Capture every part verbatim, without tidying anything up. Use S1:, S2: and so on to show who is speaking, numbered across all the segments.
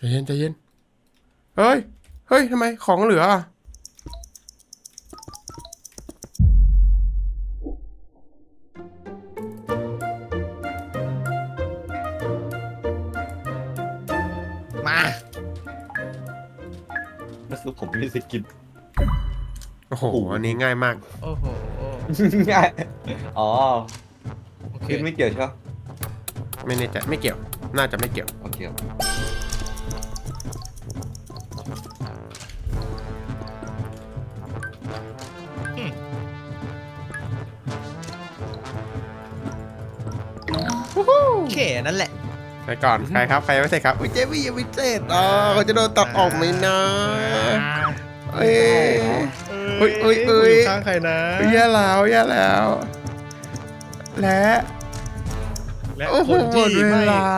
S1: เย็นใจเย็นเฮ้ยเฮ้ยทำไมของเหลืออ่ะ
S2: มา
S3: ก็คือผมไม่มีสิทธิ์กิน
S1: โอ้โหอันนี้ง่ายมาก
S2: โอ้โห
S3: ง่ายอ๋อ
S2: โอเค
S3: กินไม่เกี่ยวใช่ไหม
S1: ไม่แน่ใจไม่เกี่ยวน่าจะไม่เกี่ยว
S3: โอเค
S2: แค่นั้นแหละ
S1: ไปก่อนใครครับใครยังไม่เสร็จครับอุ้ยเจมี่ยังไม่เสร็จอ๋อเขาจะโดนตัดออกไหมนะเอ้ย เอ้ยเอ้ยเอ้ย
S2: อยู่ข้างใครนะ
S1: แย่แล้วแย่แล้ว และ
S2: และ
S1: โอ้โห
S2: คน
S1: หม
S2: ที่
S1: ดเว
S2: ไม่
S1: ลา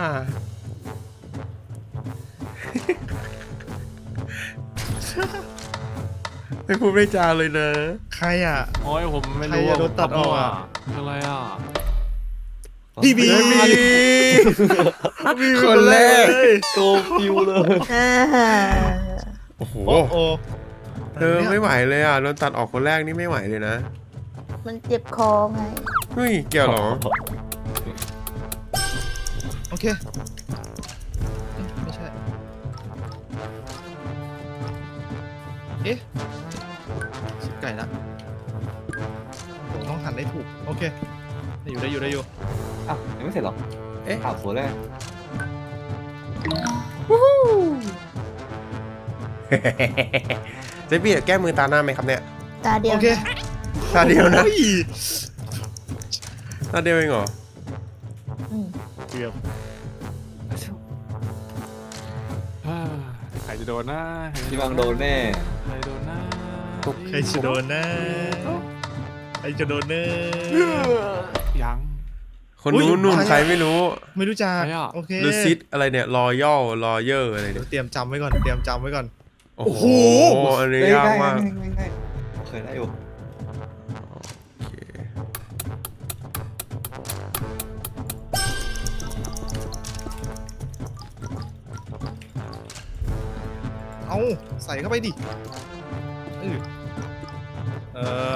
S1: ไม่พูดไม่จาเลยนะ
S2: ใครอ่ะ
S4: โอ้ยผมไม่
S2: ใคร
S4: รู้
S2: จะโดนตัดออกอะ
S4: อะไรอ่ะ
S2: พี่บี
S1: มีคนแรก
S3: โตฟิวเลย
S1: โอ้โห
S2: โอ้โห
S1: เธอไม่ไหวเลยอ่ะโดนตัดออกคนแรกนี่ไม่ไหวเลยนะ
S5: มันเจ็บคอไง
S1: เฮ้ยเกี่ยวเหรอ
S2: โอเคเอ๊ะไม่ใช่เอ๊ะชิบไก่ละผมต้องหันได้ถูกโอเคได้อยู่ได้อยู่ได้อยู่
S3: อ้าวยังไม่เสร็จหรอ
S1: เอ๊ะ
S3: อ้าวสวยเลย
S1: เจ๊พี่แก้มือตาหน้าไหมครับเนี่ย
S5: ตาเดียว
S2: โอเค
S1: ตาเดียวนะ
S2: โอ้ย
S1: ตาเดียวเองเหรอ
S5: อืม
S2: เกือบ
S4: ใครจะโดนนะใครจะ
S3: พี่บังโดนแน่
S4: ใครโดนนะ
S2: ใครจะโดนนะใครจะโดนเนอ
S4: ยัง
S1: คนนู้นนู่นใครไม่รู้
S2: ไม่รู้จัก
S4: ใครอะ
S2: โอเค
S1: ลูซิดอะไรเนี่ยรอยัลรอเยอร์อะไร
S2: เดี๋
S1: เนี่ย ยว
S2: เตรียมจำไว้ก่อนเตรียมจำไว้ก่อน
S1: โอ้โหอันนี้
S3: เอ้ย
S1: ยาก
S3: ง่าย
S1: มาก
S3: ง่ายง่ายง่ายโอเคได้อยู่
S1: โอเค
S2: เอาใส่เข้าไปดิเออเออ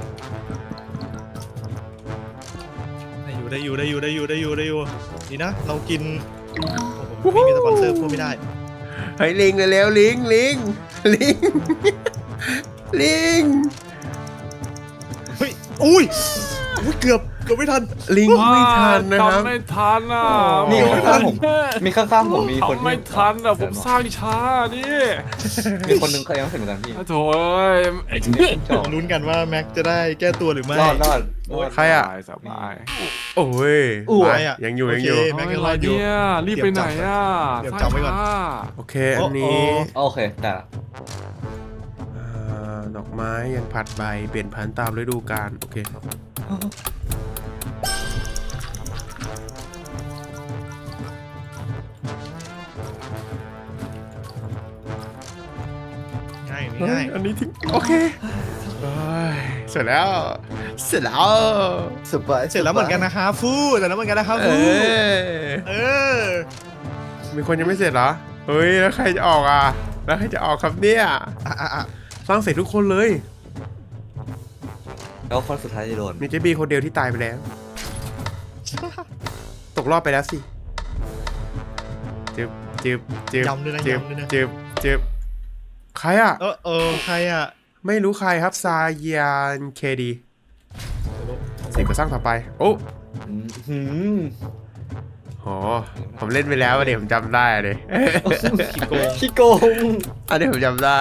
S2: ได้อยู่ได้อยู่ได้อยู่ได้อยู่ได้อยู่ได้อยู่ดีนะ เรากินโอ้โหไม่มีสปอนเซอร์พูดไม่ได้
S1: เฮ้ยลิงเลยแล้วลิงลิงลิงลิง
S2: เฮ้ยอุ้ยอุ้ยเกือบเกือบไม่ทัน
S1: ลิงไม่ทันนะครับ
S4: ทำไม่ทันอ่ะ
S3: นี่
S2: โอ้
S3: ข้างๆผมมีข้างๆผมมีคน
S4: ทำไม่ทันอ่ะผมสร้างช้านี่
S3: มีคนนึงเขายังไม่เสร็จเหมือนกันพี่
S4: โถ่เอ้ยไอ้
S3: จบ
S2: ลุ้นกันว่าแม็กจะได้แก้ตัวหรือไม่
S3: รอดรอด
S4: โอ้ย
S1: ใครอะ
S4: สบายสบาย
S1: โอ้ย
S2: อู้
S1: มา
S2: อะ
S1: ยังอยู่
S2: โอ
S1: ยัง
S2: เค
S1: อยู่
S2: แม็ก
S4: เฮ้
S2: ยั
S4: ย
S2: งรอดอยู่
S4: เนี่ยรีบไปไหนอ่ะ
S2: เตรียมจำไว้ก่อน
S4: สร้างช้า
S1: โอเคอันนี้
S2: โอ้
S3: โอเคได้ละ
S1: อ่าดอกไม้ยังผัดใบเปลี่ยนพันธุ์ตามฤดูกาลโอเค
S2: ง่ายง่าย
S1: อันนี้ทิ้งโอเคเฮ้ยเสร็จแล้ว เสร็จแล้ว
S3: สบาย
S2: เสร็จแล้วเหมือนกันนะครับฟูเสร็จแล้วเหมือนกันนะครับ
S1: เอ
S2: ฟู
S1: อ
S2: เออ
S1: มีคนยังไม่เสร็จเหรอเฮ้ยแล้วใครจะออกอ่ะแล้วใครจะออกครับเนี่ย
S2: อ่ะอ่ะอ่ะ
S1: สร้างเสร็จทุกคนเลย
S3: แล้วคนสุดท้ายจะโดน
S1: มีเจบีคนเดียวที่ตายไปแล้ว ตกรอบไปแล้วสิจึบจึบจึบ
S2: ยำด้วยนะ
S1: จึบ
S2: ยำด้วยนะ
S1: จึบจึบใครอ่ะ
S2: เออเออใครอ่ะ
S1: ไม่รู้ใครครับซายานเคดีเสร็จก็สร้างต่อไป โอ้
S3: อืมหืม
S1: โหผมเล่นไปแล้วอะเดี๋ยวผมจำได้เลย
S2: ขี้โกง
S3: ขี้โกง
S1: อันนี้ผมจำได้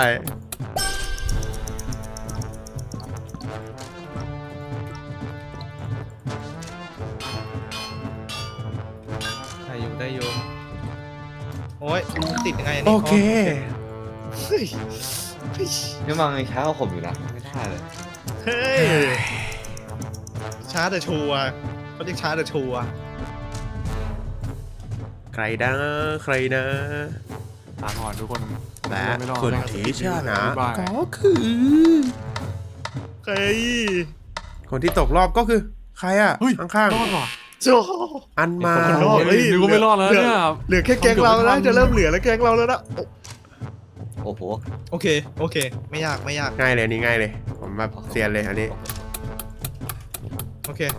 S2: ได้อยู่ได้อยู่โอ้ยมันติดยังไงอัน
S1: โอ
S2: นี้
S1: เค
S2: เฮ้ยเฮ้ย
S3: นี่มังยังช้ากว่าผมอยู่นะไม่ได้เลย
S2: เฮ้ยช้าแต่ชัวร์เขาเรียกช้าแต่ชัวร์
S1: ใครนะใครนะ
S4: ตามก่อนทุกคน
S1: และ
S4: ไม่รอด
S1: คน
S4: ไม่รอด
S1: ที่ชนะ
S4: บ๊ายบาย
S1: ก็คือ
S2: เฮ้ย
S1: คนที่ตกรอบก็คือ ใครอ่ะ
S4: เฮ้ย
S1: ข้าง
S4: รอดว่ะ
S2: โจ้
S1: อันมา
S2: คนนอก
S4: เฮ้ยนึกว่าไม่รอดแล้วเนี่ย
S2: เหลือแค่แก๊งเราแล้วนะจะเริ่มเหลือแล้วแก๊งเราแล้วนะโอ้
S3: โอ้โห
S2: โอเคโอเค ไม่ยากไม่ยาก
S1: ง่ายเลยอันนี่ง่ายเลย ผมแบบเซียนเลยอันนี้
S2: โอเค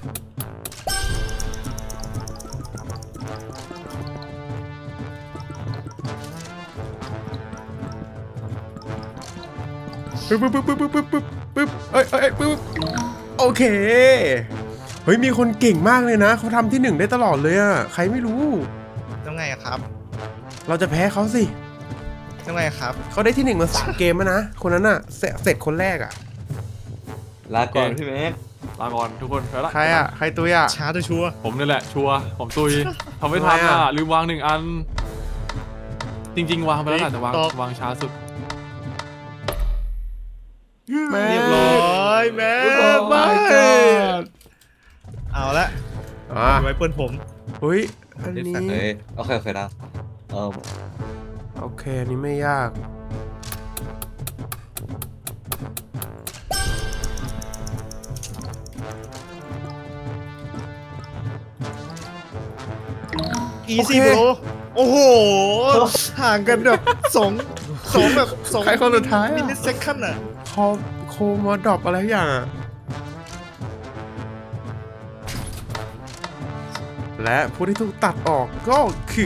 S1: ปึ๊บปึ๊บปึ๊บปึ๊บปึ๊บปึ๊บปึ๊บเอ้ยเอ้ยปึ๊บโอเค เฮ้ยมีคนเก่งมากเลยนะเขาทำที่หนึ่งได้ตลอดเลยอะใครไม่รู้
S2: ต้องไงอะครับ
S1: เราจะแพ้เขาสิ
S2: ต้องไงอะครับ
S1: เขาได้ที่หนึ่งมาสามเกมแล้วนะ คนนั้นอะเสร็จเสร็จคนแรกอะ
S3: ลาก่อนพี่แม็ก
S4: ลาก่อนทุกคนไปละ
S1: ใครอะใครตัวอะ
S2: ช้าตัวชัวร์
S4: ผมนี่แหละชัวร์ผมตุยทำไม่ทัน
S1: ทำไม
S4: อ่ะ
S1: อะ
S4: ลืมวางหนึ่งอัน จริง ๆ วางไปแล้วแหละแต่วางวางช้าสุด
S1: แม่
S2: เรียบร้อยแม่
S1: ไม่
S2: เอาละ
S1: อ่ะ
S2: ไว้เปิ้ลผม
S1: เฮ้ยอันนี้
S3: เฮ้ยโอเคโอเคได้เออ
S1: โอเคอันนี้ไม่ยาก
S2: อีซี่โบรโอ้โห ห่างกันแบบสองสองแบบสอง
S1: ใครคนสุดท้าย
S2: มิล
S1: อะ
S2: ลิเซคันด์อะ
S1: คอโคมอดรอปอะไรอย่างอะและผู้ที่ถูกตัดออกก็คือ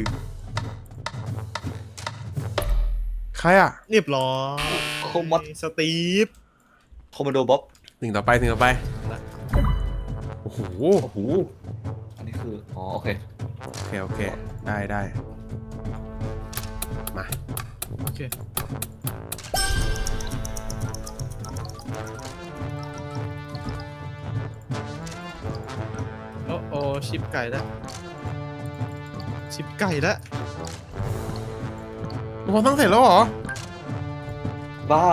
S1: ใครอ่ะ
S2: เรียบร้อย
S3: โคมัด
S2: สตีฟ
S3: โคมโดบ๊อบ
S1: ถึงต่อไปถึงต่อไป โอ้โห
S3: โอ้โหอันนี้คืออ๋อโอเค
S1: โอเค โอเค ได้ได้ มา
S2: โอเคโอ้โอชิปไก่แล้วชิปไก่แล้ว
S1: พอตั้งเสร็จแล้วเหรอ
S3: บ้า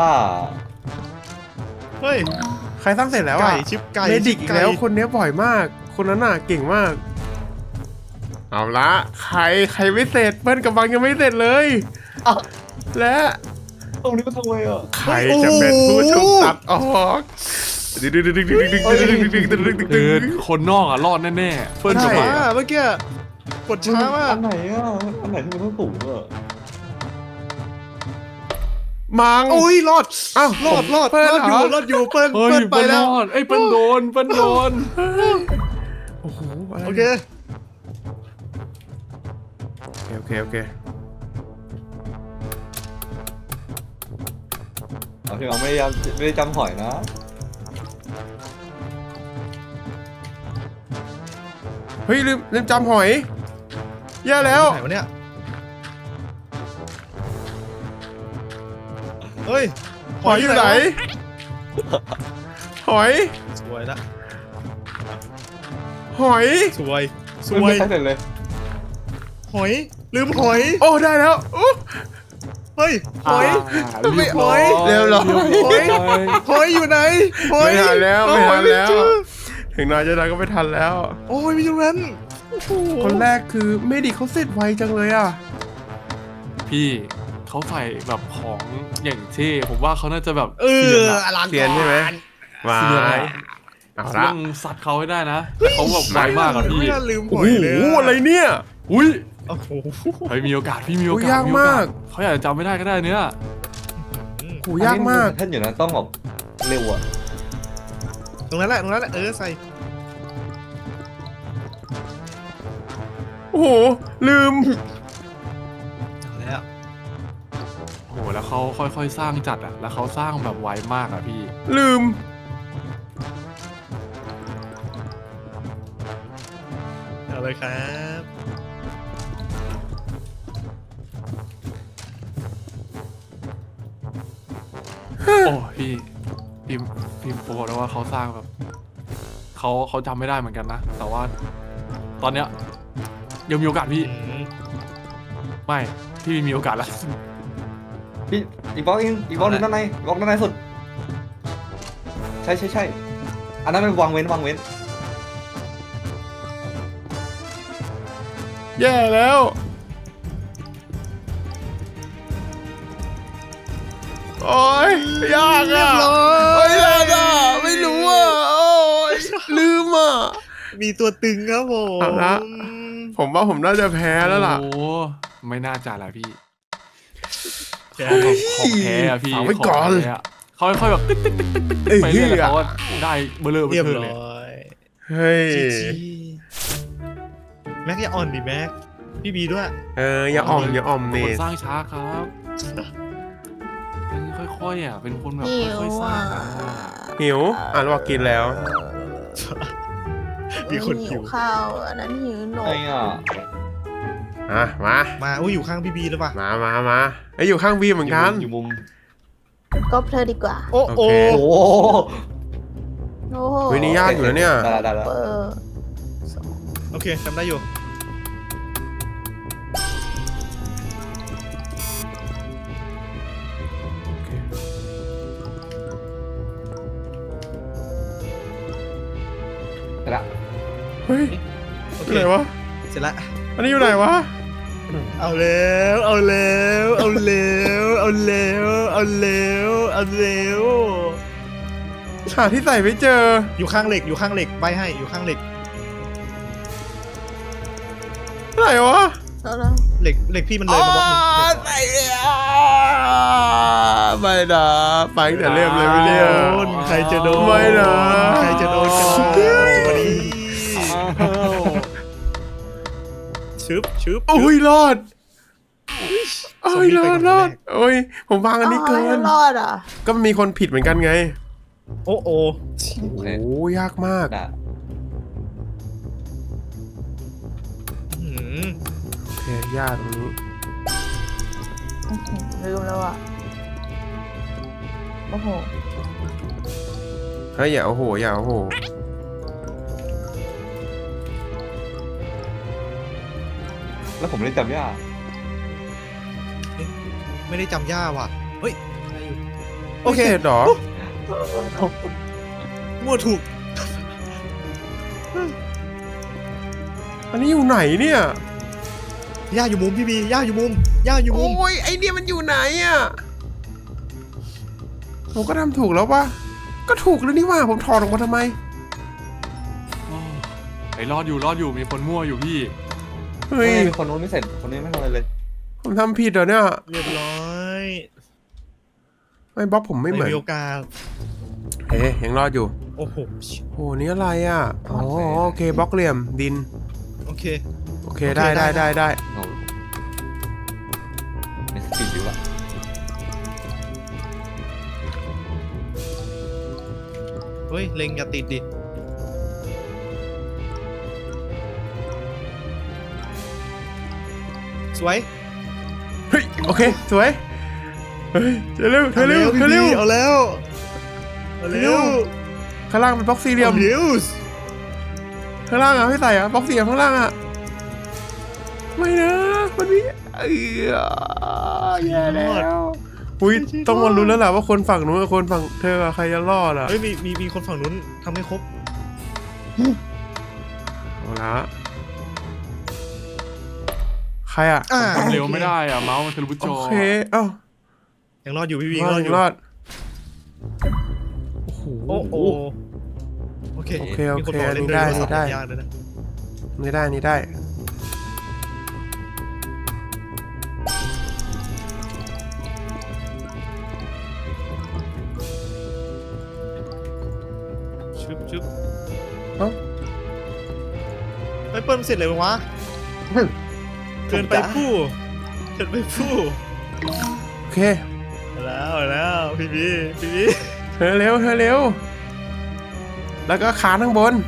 S2: เฮ้ย
S1: ใครตั้งเสร็จแล้วอ่ะ
S2: ไก่ชิปไก่
S1: เมดิก
S2: ชิ
S1: อี
S2: ป
S1: ก
S2: ไก่
S1: แล้วคนเนี้ยบ่อยมาก คนนั้นน่ะเก่งมาก เอาละใครใครไม่เสร็จเปิ้ลกับบังยังไม่เสร็จเลย
S3: อ้าว
S1: และ
S3: ตรงนี้มันทำไมอ่ะ
S1: ใครจะเป็นผู้ถูกตัดออกดึงดึงดึงดึงดึงดึงดึงดึงดึงดึงดึงดึง
S4: คื
S1: ดึ
S4: อง คนนอกอ่ะรอดแน่ๆเฟิร์น
S1: ใช่
S4: กับ
S2: ช้า
S4: บัง
S2: อะเมื่อกี้กดช้ามาก
S3: อันไหนอ่ะอันไหนที่มันต้องสูงอ่ะ
S1: มัง
S2: โอ้ยรอด
S1: อ้าว
S2: รอดรอด
S1: เปิ้ล
S2: รอดอยู่
S1: เหรอ
S2: รอดอยู่เปิ้ล
S4: เฮ้ย
S2: เปิ้ลไป
S4: เปิ้ล
S2: แล้ว
S4: รอดเอ้ยเปิ้ลโดนเปิ้ลโดน
S1: โอ้โหอะไร
S2: โอเค
S1: โอเคโอเค
S3: เอาพี่เอาไม่ได้จำไม่ได้จำหอยนะ
S1: เฮ้ยลืมลืมจำหอยแย่แล้ว
S2: ไหนวะเนี่ยเฮ้ย
S1: หอยอยู่ไหน หอย
S2: สวยละ
S1: หอย
S2: สวยส
S3: ไม่
S2: วย
S3: ใช่เสร็จเลย
S2: หอยลืมหอย
S1: โอ้ได้แล้วโอ้
S2: เฮ้ยหอย
S4: าเรียบร้อย
S1: เรียบร้อย
S2: หอยหอยอยู่ไหนหอย
S1: ไม่ทันแล้วไม่
S2: หอ
S1: ทั
S2: ย
S1: น
S2: ไม่
S1: แล้ว
S2: เจอ
S1: ถึงน้อยจะน้อยก็ไม่ทันแล้ว
S2: โอ้ยไม่อยู่นั้นโอ้โห
S1: คนแรกคือเมดิเขาเสร็จไวจังเลยอ่ะ
S4: พี่เขาใส่แบบของอย่างเท่ผมว่าเขาน่าจะแบบ
S2: เออ
S4: เซียนอะ
S2: อลัง
S1: เซียนใช่ไหมมา
S4: เซียนอะ
S1: เอา
S4: ต้
S1: ละ
S4: องซัดเขาให้ได้นะแต่เขาแบบไวมากอะพี่
S2: ไม่น่าลืมห
S1: โอ้
S2: อย
S1: โห
S2: เลย
S1: อะไรเนี่ย
S4: อุ้ย
S2: โอ้โห
S4: เฮ้ยมีโอกาสพี่มีโอ
S1: โอ้ย
S4: กาส
S1: ยาก
S4: มีโอกาส
S1: มาก
S4: เขาอยากจะจำไม่ได้ก็ได้เนี่ย
S1: โหยากมาก
S3: ท่านอยู่นะต้องแบบเร็วอ่ะ
S2: ตรงนั้นแหละตรงนั้นแหละเออใส่
S1: โอ้โหลืม
S2: เอาแล้ว
S4: โอ้โหแล้วเขาค่อยๆสร้างจัดอะแล้วเขาสร้างแบบไวมากอะพี่
S1: ลืม
S2: เอาเลยครับ
S4: โอ้พี่พิมพิมโปรแล้วว่าเขาสร้างแบบเขาเขาจำไม่ได้เหมือนกันนะ แต่ว่า ตอนเนี้ยยังมีโอกาสพี่
S2: อืม
S4: ไม่พี่มีโอกาสแล้ว
S3: พี่อีกบล็อกอีกอีกบล็อกหนึงด้านในบล็อกด้านในสุด ใช่ใช่ใช่อันนั้นเป็นวางเว้นวางเว้น
S1: แย่แล้ว โอ้ยยาก
S2: เรีย
S1: อ่ะ
S2: บร้อ
S1: โอ้
S2: ย
S1: ยยากอ่ะไม่รู้อ่ะโอ้ยลืมอ่ะ
S2: มีตัวตึงครับผม
S1: เอาละ ผมว่าผมน่าจะแพ้แล้วล่ะ
S4: โอ้ไม่น่าจะแหละพี่
S2: แพ้
S4: ของแพ้อะพี่
S1: ฝากไว้ก่อน
S4: ขงแพ้ะเขาค่อยๆแบบตึ๊กตึ๊กตึ๊กตึ๊กตึ๊ก
S1: เอ้ย
S4: ไปเรื่อยๆแล้วเขาก็ได้เบลอเบ
S2: เรียบ
S4: ลอ
S2: ร้
S4: เลย
S2: อย
S1: เฮ้ย
S2: จีจีแม็กอย่าอ่อนดิแม็กพี่บีด้วย
S1: เอออย่าอ่อมอย่าอ่อม
S4: เป็น
S1: นี่
S4: คนสร้างช้าครับเป็นค่อยๆอ่ะเป็นคนแบบ
S5: หิว
S4: ค่อยๆสร้า
S5: อ่ะ
S4: งอ่ะ
S1: หิวอ่านว่ากินแล้ว
S2: มีคนหิว
S5: ข้าวอันนั้นหิวหน
S3: ไอ้
S5: ม
S3: อ่ะ
S1: อ่ะมา
S2: มาอุ้ยอยู่ข้างพี่บีแล้วป่ะ
S1: มามามาไอยอยู่ข้างบีเหมือนกัน
S3: อยู่มุม
S5: ก็เธอดีกว่า
S2: โอ้โห
S1: โอเค
S3: โอ้โห
S5: โอ้โห
S1: วินี่ยากอยู่นะเนี่ย
S3: ได้แล้วได้แล้ว
S5: เปิด
S2: โอเคจำได้อยู่
S3: ได้ละ
S1: เฮ้ย
S2: โอ
S1: อ
S2: เค
S1: ยู่ไหนวะ
S2: เสร็จละ
S1: อันนี้อยู่ไหนวะ
S2: เอาแล้วเอาแล้วเอาแล้วเอาแล้วเอาแล้วเอาแล้ว
S1: หาที่ใส่ไม่เจอ
S2: อยู่ข้างเหล็กอยู่ข้างเหล็กใบให้อยู่ข้างเหล็ก
S1: ไหนวะ
S5: แล้วแล้ว
S2: เหล็กเหล็กพี่มันเลยมาบล็อกหนึ่ง
S1: ใส่อ่ะไม่นะไปตั้งแต่เริ่มเลยไม่เรีย
S2: โดนใครจะโดน
S1: ไม่นะ
S2: ใครจะโดนกันล่ะวันนี้ชึบชึบ
S1: โอ้ยรอดโอ้ย
S2: ซ
S1: ร
S2: อมบี้
S1: อ
S2: ไป
S1: ด
S2: ก่อน
S1: รอด
S2: แรก
S1: โอ้ยผมวางอันนี้เกิ
S5: เอาให้
S1: น
S5: รอดอ่ะ
S1: ก็มีคนผิดเหมือนกันไง
S2: โอ้โอ
S3: โอเค
S1: โอ้ยากมาก
S3: ได้
S2: หืม
S1: โอเคยากตรงนี้
S5: อื้อหือลืมแล้วอ่ะโอ้โห
S1: เฮ้ยอย่าโอ้โหอย่าโอ้โห
S3: แล้วผมเล่นจำยาก
S2: ไม่ได้จำย่าว่ะเฮ้ยได้อยู่โอ
S1: โอ
S2: เค
S1: เคหรอ
S2: มั่วถูก
S1: อันนี้อยู่ไหนเนี่ย
S2: ย่าอยู่มุมพี่บีย่าอยู่มุมย่าอยู่มุม
S1: โอ้ยไอเนี่ยมันอยู่ไหนอ่ะผมก็ทำถูกแล้วปะก็ถูกแล้วนี่ว่าผมถอดออกมาทำไม
S4: โอ้ไอ้รอดอยู่รอดอยู่มีคนมั่วอยู่พี่
S1: เฮ้ย
S3: มีคนโน้นไม่เสร็จคนนี้ไม่ทำอะไรเลย
S1: ผมทำผิดเหรอเนี่ย
S2: เรียบร้อย
S1: ไม่บล็อกผมไม่เหมือน
S2: มีโอกาส
S1: เฮ้ยยังรอดอยู่
S2: โอ้โห
S1: โอ้นี่อะไรอ่ะอ๋อโอเคบล็อกเหลี่ยมดิน
S2: โอเค
S1: โอเคได้ได้ได้ได้
S3: เอามีสปีดอยู่อะ
S2: เฮ้ยเล็งอย่าติดดิสวย
S1: เฮ้ยโอเคสวยเฮ้ยเธอเร็วเธอเร็วเธอเร็ว
S2: เอาแล้วเอา
S1: เร็
S2: เร็
S1: ว
S2: ว
S1: ข้างล่างเป็นบล็อกสี่เหลี่ยม
S2: เร็ว
S1: ข้างล่างอ่ะไม่ใส่อ่ะบล็อกสี่เหลี่ยมข้างล่างอ่ะไม่นะมันมีเออแย่แล้วอุ้ยต้องมาลุ้นแล้วแหละว่าคนฝั่งนู้นกับคนฝั่งเธอกับใครจะรอดอ่ะ
S2: เฮ้ยมีมีมีคนฝั่งนู้นทำให้ครบ
S1: เอาละใครอ่ะ
S2: อ่า
S4: ทำเร็วไม่ได้อ่ะเมาส์มันทะลุจ
S1: โอ
S4: อ
S1: เคเอ้า
S2: ยังรอดอยู่พี่วี
S1: ร
S2: ยัง
S1: อ
S2: รอ
S1: ด
S2: ดอยู่
S1: รอดโอ้โห
S2: โอ้โหโอเค
S1: โอเคโอเค
S2: มีนบอกล่
S1: อันนี้ได้
S2: โทรศัพท์
S1: ได้
S2: ยากเลยนะ
S1: นี่ได้นี่ได้
S2: ชึบชึบ
S1: เอ้า
S2: ไอ้ยเปิ้ลเสร็จเลยวะเกินไปผู้เกินไปผู้
S1: โอเค
S2: เอาแล้วเอาแล้วพี่บีพี่บี
S1: เธอเร็วเธอเร็ว แล้วก็ขาข้างบน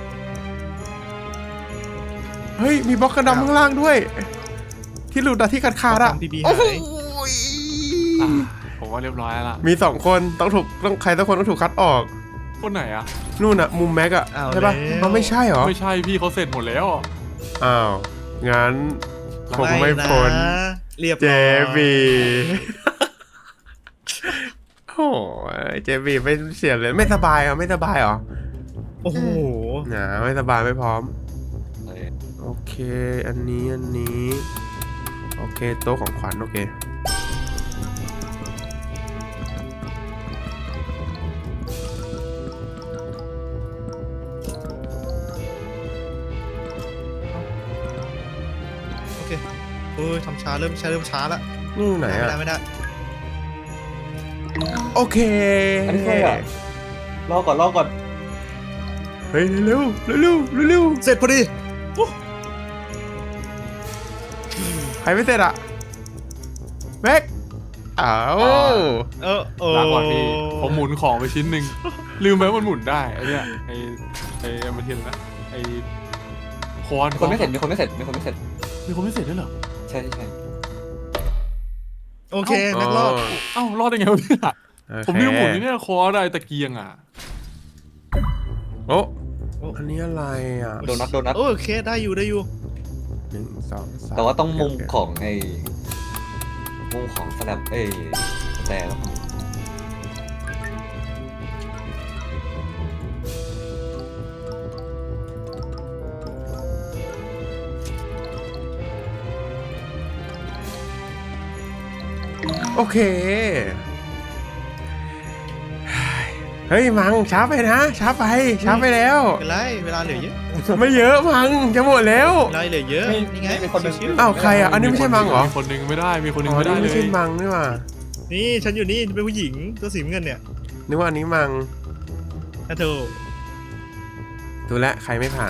S1: เฮ้ย มีบล็อกกระดำข้างล่างด้วย ที่หลุดอะที่ขาดขาดอะ
S2: ทำพี่บี
S1: โอ้
S2: หาย
S1: โห
S4: อ่ะผมว่าเรียบร้อยแล้วล่ะ
S1: มีสองคนต้องถูกต้องใครสักคนต้องถูกคัดออก
S4: คนไหนอ่ะ
S1: นู่นอะมุมแม็กอะ
S2: เอา
S1: ใช่ปะ
S2: แล้ว
S1: เอาไม่ใช่เหรอ
S4: ไม่ใช่พี่เขาเสร็จหมดแล้ว
S1: อ้าว งั้นผมไม่
S2: นะ
S1: พ้น
S2: เรียบ
S1: เจ
S2: ร้อย
S1: บีโอ้ยเจบีไม่เสียเลยไม่สบายเหรอไม่สบายเหรอ
S2: โอ้โห
S1: นะไม่สบายไม่พร้อม
S3: เฮ้ย
S1: โอเค อันนี้อันนี้ โอเคโต๊ะของขวัญโอเค
S2: โโอ้ยทำช้าเริ่มช้าเริ่มช้าละ
S1: นี่อยู่ไหน
S2: ไม่
S1: อะ
S2: ได้ไม่ได้
S1: โอเค
S3: อันนี้ใครอ่ะรอก่อนรอก่อน
S1: เฮ้ยเร็วเร็วเร็วเร็วเร็ว
S2: เสร็จพอดี
S1: ใครไม่เสร็จอะแม็กอ้าว
S2: เออโอ้
S4: ลาก่อนพี่ผมหมุนของไปชิ้นหนึ่งลืมไปว่ามันหมุนได้ไอ้เนี่ยไอ้ไอ้มาเทียนนะไอ้คอน
S3: มีคนไม่เสร็จมีคนไม่เสร็จมีคนไม่เสร็จ
S4: มีคนไม่เสร็จด้วยเหรอ
S3: ใช่ใช่ใช่
S2: โอเคแม็กรอบ
S4: เอ้ารอดได้ไงวะเนี่ยผมลืมหมุนนี่เนี่ยคอได้ตะเกียงอ่ะ
S1: โอ้อันนี้อะไรอ่ะ
S3: โดนัทโดนัท
S2: โอเคได้อยู่ได้อยู่
S1: หนึ่งสองสาม
S3: แต่ว่าต้องมุม
S1: โเค
S3: ของไอ้มุมของสแลบเอ้ยแต่แล้ว
S1: โอเค เฮ้ยมังช้าไปนะช้าไปช้าไปแล้ว
S2: เป็นไรเวลาเหลือเยอะ
S1: ไม่เยอะมังจะหมดแล้ว
S2: เวลาเหลือเยอะนี่ไง
S3: มีคนหนึ่ง
S2: ชิว
S1: อ้าวใครอ่ะอันนี้ไม่ใช่มังเหรอ
S4: มีคนหนึงไม่ได้มีคนหนึง
S1: อ๋อ
S4: ไม่ได้
S1: นี่
S4: เล
S1: ไม่
S4: ย
S1: ใช่มังนี่หว่า
S2: ๆนี่ฉันอยู่นี่เป็นผู้หญิงตัวสีน้ำเงินเนี่ย
S1: นึกว่าอันนี้มัง
S2: ถ้าเธอ
S1: ดูแลวใครไม่ผ่าน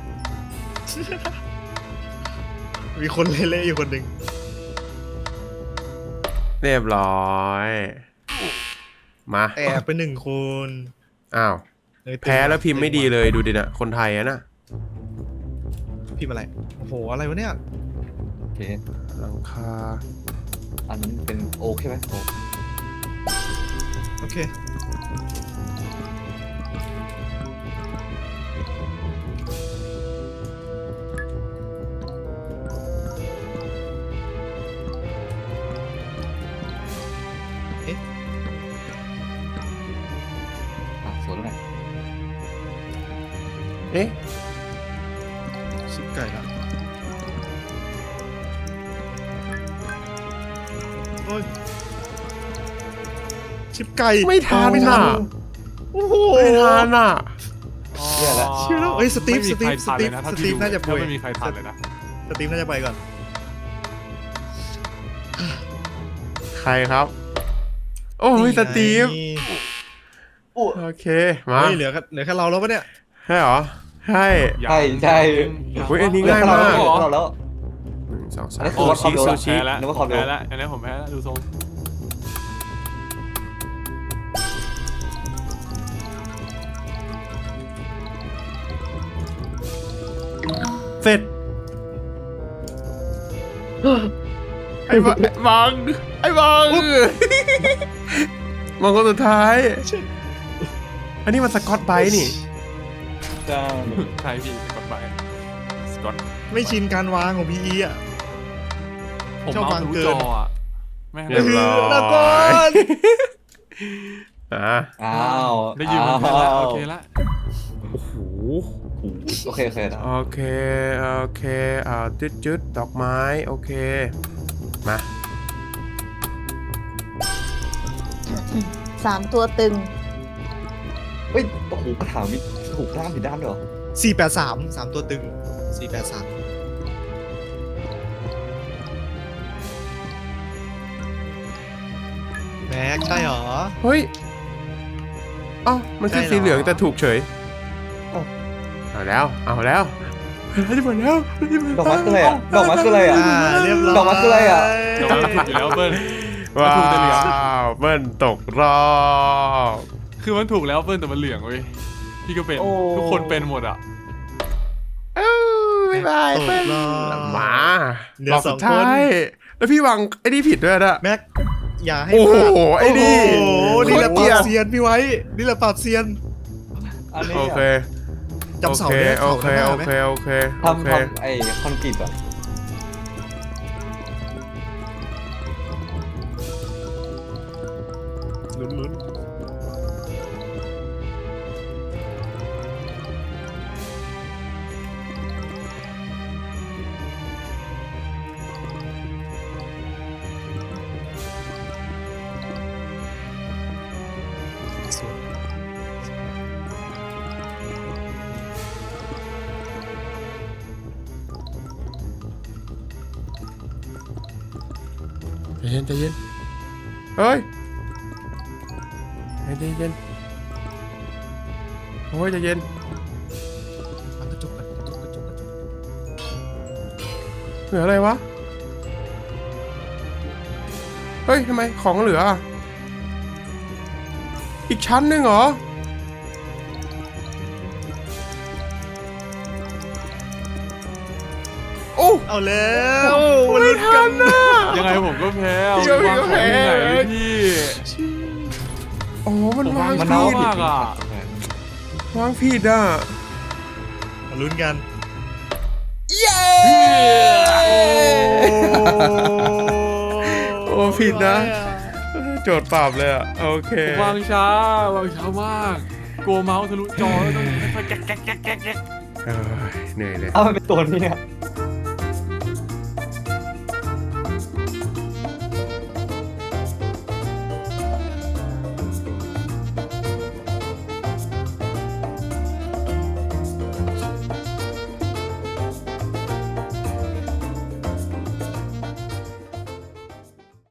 S2: มีคนเละๆอยู่คนหนึ่ง
S1: เรียบร้อย มา
S2: แอบไปหนึ่งคน
S1: อ้าว
S2: เอ้ย
S1: แพ้แล้วพิมพ์ไม่ดีเลยดูดินะคนไทยอะน่ะ
S2: พิมพ์อะไรโอ้โหอะไรวะเนี่ย
S3: โอเค
S1: หลังคา
S3: อันนั้นเป็นโอเคไหมโอ
S2: โอเคเอ๊ะ
S3: อ่ะสวนแล้วไง
S1: เอ๊ะ
S2: ชิบไก่ละโอ้ยชิบไก่
S1: ไม่ทันน่ะ
S2: โอ้โห
S1: ไม่ทันน่ะ
S3: เนี่ยแหละ
S2: ชิวแล้วเอ้ยสตีฟ
S4: ไม่มีใคร
S2: ส
S4: ทัน
S2: ตี
S4: เล
S2: ฟ
S4: ยนะถ้า
S2: ส
S4: พี่
S2: ตีฟ
S4: ดู
S2: น่าจะป่วย
S4: ไม่มีใครทันเลยนะ
S2: สตีฟน่าจะไปก่อน
S1: ใครครับ โอ้ยสตีฟ
S2: นี่
S1: โอเคมา
S2: เฮ้ยเหลือแค่เหลือแค่เราแล้วปะเนี่ย
S1: ใช่เหรอใช่
S4: ยัง
S3: ใช่ใช่
S1: อุ๊ยอันนี้
S3: เหลือ
S1: ง่าย
S3: แค่เรา
S1: มาก
S3: เหลือแค่เราแล้ว
S1: หนึ่งสองสาม
S3: อันนี้คื
S1: ซู
S3: อวัดควา
S1: ชิ
S3: มเร็ว
S1: ซู
S3: ละ
S1: ชิ
S4: แพ้แล้ว
S3: นึกว่าความเร็ว
S4: แพ้แล้วอันนี้ผมแพ้แล้วดูทรง
S1: เสร็จไอ้บังไอ้บังไอ้บังบังคนสุดท้าย อันนี้มันสกอตไบรท์นี่
S3: ใช่
S4: ใช่พี่สกอตไปสกอต
S2: ไม่ชินการวางของพีอีอ่ะ
S4: ผม
S2: ชอบาง
S4: เมาวทะลุ
S2: เกิน
S4: จออ่ะแม่ง
S1: เรียบร้อย
S2: แล้วก่อน
S1: อ่ะ
S3: อ้าว
S4: ได้ยินมันแพ้แล้วโอเคละ
S1: โอ้โห
S3: โอเคโอเคได้
S1: โอเคโอเคอ่าจุดจุดดอกไม้โอเคมา
S5: สามตัวตึง
S3: เฮ้ยโอ้โหกระถางมีถูกด้านผิดด้านด้วยเหรอ
S2: สี่แปดสามสามตัวตึงสี่แปดสามแม็กใช่เหรอ
S1: เฮ้ยเอ้ามันขึ้น
S2: ใช่เหรอ
S1: สีเหลืองแต่ถูกเฉย
S3: เอ้า
S1: เอาแล้วเอาแล้วเราจะหมดแล้วเราจะหมด
S3: ดอกไม้คืออะไรอ่ะดอกไม้คืออะไรอ่ะ
S2: อ่าเรียบร้อย
S3: ดอกไม้คืออะไรอะ
S4: เดี๋ยวมันถูกอยู่แล้วเบิ้ล
S1: ว้า
S4: ถูกแต่เหลือง
S1: วเบิ้ลตกรอบ
S4: คือมันถูกแล้วเบิ้ลแต่มันเหลืองเว้ยพี่ก็เป็น
S3: โอ้
S4: ทุกคนเป็นหมดอ่ะ
S1: เอ้ยบ๊ายบาย
S2: ตก
S1: เบิ้ล
S2: รอบ
S1: มา
S2: เหลือ
S1: รอบ
S2: ส
S1: สุ
S2: อง
S1: ดท้ายแล้วพี่วางไอ้นี่ผิดด้วยนะ
S2: แม็กอย่าให้
S1: โอ้โห
S2: พลาด
S1: ไอ้นี่
S2: โอ้โหนี่แหละ
S1: โคตรเกลี
S2: ป
S1: ย
S2: รา
S1: ด
S2: บเซียนพี่ไว้ นี่แหละปราบเซียน
S3: อันนี้
S1: โอ
S3: อะ
S1: เค
S2: จำเสาเนี่ย
S1: โอ
S2: เสา
S1: เค
S2: ข้างหน้า
S1: โอ
S2: ไหม
S1: เคโอเคโอ
S3: ทำ
S1: เค
S3: ทำไอ้คอนกรีตอ่ะ
S2: ลุ้นลุ้นสวย
S1: ใจเย็นใจเย็นเฮ้ยใจเย็นโอ้ยใจเย็น
S2: ฟังกระจกกันกระจกกระจกกระจก
S1: เหลืออะไรวะเฮ้ยทำไมของเหลืออ่ะอีกชั้นหนึ่งเหรอโอ้
S2: เอาแล้ว
S1: ไม่ทันนะ
S4: ยังไงผมก็แพ้เอา
S1: พี่ก็
S4: วางของ
S1: แพ้
S4: ที่ไหนเลยพี่
S1: โอ้มันวาง
S4: มัน
S1: ผิ
S4: เอา
S1: ด
S4: มากอ่ะ
S1: วางผิดอ่ะ
S2: มาลุ้นกัน
S1: เย้โอ้ผิดนะโจทย์ปราบเลยอ่ะโอเคว
S4: างช้าวางช้ามากกลัวเมาส์ทะลุจอแล้วต้องค่อยๆแก๊กแก๊กแก๊กแก๊กแก๊ก
S1: เอ้ยเหนื่อยเลย
S3: เอามันเป็นตัวนี้เนี่ย